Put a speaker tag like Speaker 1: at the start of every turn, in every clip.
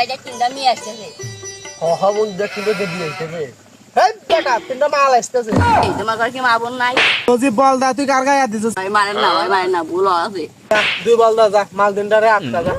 Speaker 1: যে তিনটা মেয়ে আসতেছে।
Speaker 2: বন্ধু দেখ কিন্তু দেখি আসতেছে। এই বেটা তিনটা মাল আসতেছে।
Speaker 1: এই তোমার ঘরে কি মা বোন নাই?
Speaker 2: তুই বল দা তুই কার গায়ে দিছিস?
Speaker 1: ভাই মারেন না ভুল আছে।
Speaker 2: দুই বল দা যা মাল দিনটারে আটটা যা।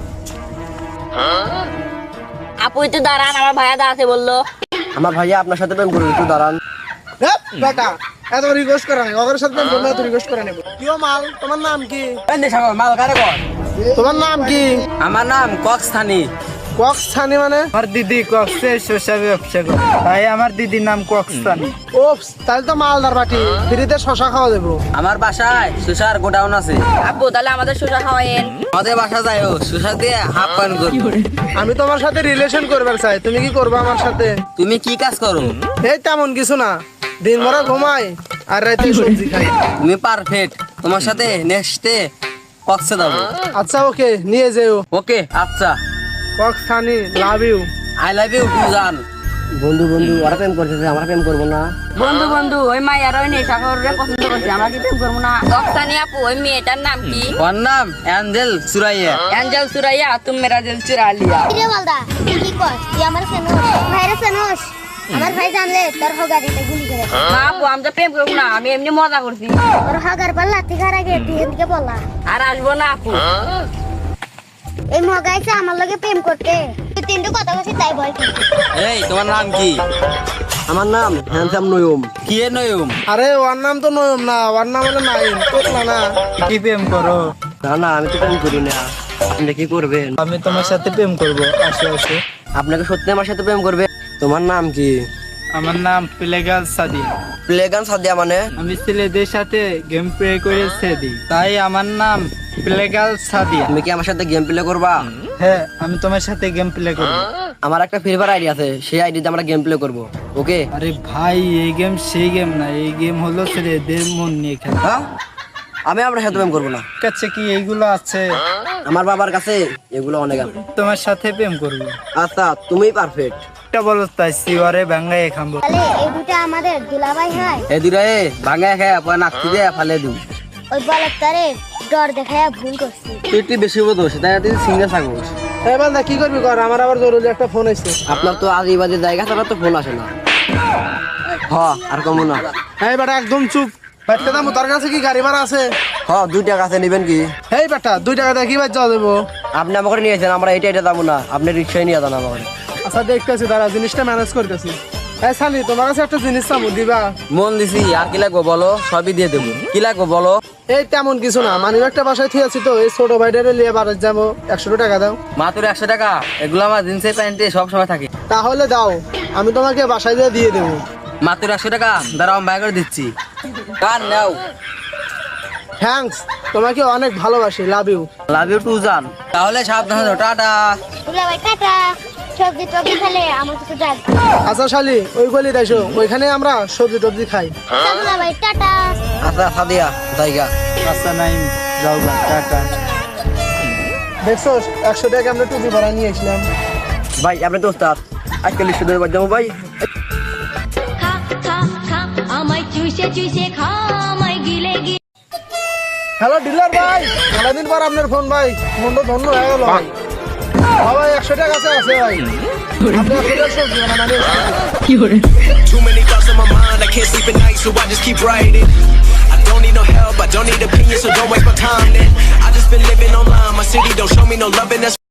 Speaker 1: আপু একটু দাঁড়ান, আমার ভাইয়া দাঁড়াতে বললো।
Speaker 2: আমার ভাইয়া আপনার সাথে প্রেম করবে, একটু দাঁড়ান। বেটা এত রিকোয়েস্ট করে না, ওদের সাথে প্রেম এত রিকোয়েস্ট করে নেব। কিও মাল, তোমার নাম কি?
Speaker 3: মাল কারে কর?
Speaker 2: তোমার নাম কি?
Speaker 3: আমার নাম কক্সথানি।
Speaker 2: কক্সথানি মানে?
Speaker 4: আমার দিদি কক্সে শসা ব্যবসা করে, তাই আমার দিদির নাম কক্সথানি।
Speaker 2: ওপস, তাহলে তো মালদার বাটি, ফ্রিতে শশা খাওয়া দেবো।
Speaker 3: আমার বাসায় সুসার গোডাউন আছে।
Speaker 1: আপু তাহলে আমাদের শসা খাওয়াইন।
Speaker 3: আমাদের বাসা যায় সুসার দিয়ে হাফ পান করি।
Speaker 2: আমি তোমার সাথে রিলেশন করবার চাই, তুমি কি করবে আমার সাথে?
Speaker 3: তুমি কি কাজ করো?
Speaker 2: এই তেমন কিছু না, দিন ভরা ঘুমাই আর রাতে সবজি খাই।
Speaker 3: তুমি পারফেক্ট, তোমার সাথে নেক্সটে কক্সে যাবো।
Speaker 2: আচ্ছা ওকে, নিয়ে যেও।
Speaker 3: ওকে আচ্ছা,
Speaker 2: কক্সথানি love you.
Speaker 3: I love you too জান।
Speaker 2: বন্ধু ওরা প্রেম করতেছে, আমরা প্রেম করবো না।
Speaker 1: বন্ধু ওই মাইয়ার ওই নেশা করে পছন্দ করছে, আমরা কি প্রেম করবো না? রক্সানি আপু ওই মেয়েটার নাম কি?
Speaker 3: ওর নাম অ্যাঞ্জেল সুরাইয়া।
Speaker 1: অ্যাঞ্জেল সুরাইয়া, তুম মেরা দিল চুরা লিয়া।
Speaker 5: কিরে মালদা, তুই কি কর? তুই আমার চেনোস, ভাইরে চেনোস? আমার ভাই জানলে তোর হগারিতে গুলি করে।
Speaker 1: না আপু আমি তো প্রেম করবো না, আমি এমনি মজা করছি।
Speaker 5: তোর হগার পাল্লা তিখার আগে তুই এদিকে বলা।
Speaker 1: আর আসবো না আপু।
Speaker 5: এই মগাইছে আমার লগে প্রেম করতে, তুই তিনটে কথা বলছিস তাই ভয় করছিস।
Speaker 3: এই তোমার নাম কি?
Speaker 2: আমার নাম হ্যান্ডসাম নয়ুম।
Speaker 3: কি এ নয়ুম?
Speaker 2: আরে ওর নাম তো নয়ুম না, ওর নাম হলো নাইম। তোলা না।
Speaker 4: কি প্রেম করো?
Speaker 2: না আমি তো প্রেম করি না। আপনি কি করবেন?
Speaker 4: আমি তোমার সাথে প্রেম করবো, আসো।
Speaker 2: আপনাকে সত্যি আমার সাথে প্রেম করবে? তোমার নাম কি?
Speaker 4: আমার নাম প্লেগাল সাদিয়া।
Speaker 2: প্লেগান সাদিয়া মানে?
Speaker 4: আমি ছেলেদের সাথে গেম প্লে করে দিই, তাই আমার নাম প্লেগাল সাদিয়া।
Speaker 2: তুমি কি আমার সাথে গেম প্লে করবা?
Speaker 4: হ্যাঁ, আমি তোমার সাথে গেম প্লে করবো।
Speaker 2: আমার একটা ফ্রি ফায়ার আইডি আছে, সেই আইডিতে আমরা গেম প্লে করব। ওকে?
Speaker 4: আরে ভাই, এই গেম সেই গেম না, এই গেম হলো ছেলেদের মন নিয়ে খেলা।
Speaker 2: হ্যাঁ, আমি আপনার সাথে প্রেম করবো না।
Speaker 4: কাছে কি এইগুলো আছে?
Speaker 2: আমার বাবার কাছে এগুলো অনেক আছে।
Speaker 4: তোমার সাথে প্রেম করবো।
Speaker 2: আচ্ছা তুমি পারফেক্ট।
Speaker 4: এটা বলো তাই সিওয়ারে ভাঙ্গাই খাবো।
Speaker 5: তাহলে এই দুটা আমাদের দুলাভাই হয়।
Speaker 3: এই দুরা এ ভাঙা খায় পরে নাকতি দিয়ে ফালে দিও।
Speaker 5: ওই বলত তারে ডর দেখায় ভুল করছি।
Speaker 3: তুই একটু বেশি বোধ সেটা তুই সিঙ্গেল থাকবো।
Speaker 2: এই বান্দা কি করবি কর, আমার আবার জরুরি একটা ফোন এসেছে। আপনার তো আদিবাদী জায়গা ছাড়া তো ফোন আসে না। আর কমো না। এই বেটা একদম চুপ। বেটা দাম তোর কাছে কি গাড়ি ভাড়া আছে? 2 টাকা আছে, নেবেন কি? এই বেটা 2 টাকা দিয়ে কি বাজ যাওয়া দেবো? আপনি আমাকে নিয়েছেন, আমরা এটা যাবো না, আপনি রিক্সায় নিয়ে যান আমাকে। আচ্ছা দেখতেছি, দাঁড়া জিনিসটা ম্যানেজ করতেছি। এই সালি, তোমার কাছে একটা জিনিস চাবো, দিবা?
Speaker 3: মন দিছি, আর কি লাগবো বলো, সবই দিয়ে দেবো। কি লাগবো বলো?
Speaker 2: এই তেমন কিছু না, মানি একটা বাসায় ঠিক আছি তো, এই ছোট ভাইটারে নিয়ে বাড়ি যাবো, 100 টাকা দাও।
Speaker 3: মাত্র 100 টাকা? এগুলো আমার জিন্সের প্যান্টে সব সময় থাকে।
Speaker 2: তাহলে দাও, আমি তোমাকে বাসায় দিয়ে দেবো।
Speaker 3: মাত্র 100 টাকা? দাঁড়াও আমি বাই করে দিচ্ছি। কার নাও।
Speaker 2: থ্যাঙ্কস, তোমাকে অনেক ভালোবাসি, love you.
Speaker 3: Love you too জান। তাহলে সাবধানে যাও, টাটা।
Speaker 5: দুলাভাই টাটা। সবজি টবজি খেলে আমার কাছে যাক।
Speaker 2: আচ্ছা শালি, ওই গলি দেখো, ওইখানে আমরা সবজি টবজি খাই।
Speaker 5: দুলাভাই টাটা।
Speaker 2: আচ্ছা সাদিয়া জায়গা।
Speaker 4: আচ্ছা নাই, যাও গা, টাটা।
Speaker 2: দেখছো 100 টাকা আমরা টুপি ভাড়া নিয়ে আসলাম। ভাই আপনি তো ওস্তাদ, আজকাল সুদের বাদ যাবো ভাই।
Speaker 6: খা খা খা আমায় চুষে খা আমায় গিলে গিলে।
Speaker 2: হ্যালো ডিলার ভাই, সারাদিন পর আপনার ফোন ভাই, মনটা ধন্য হয়ে গেল ভাই। ভাই 100 টাকা আছে ভাই, আপনি 100 টাকা সবজি ভাড়া নিয়ে আসবেন।
Speaker 7: Too many thoughts on my mind, I can't sleep at night, so I just keep writing. I don't need no help, I don't need opinions, so don't waste my time then. I just been living online, my city don't show me no loving, that's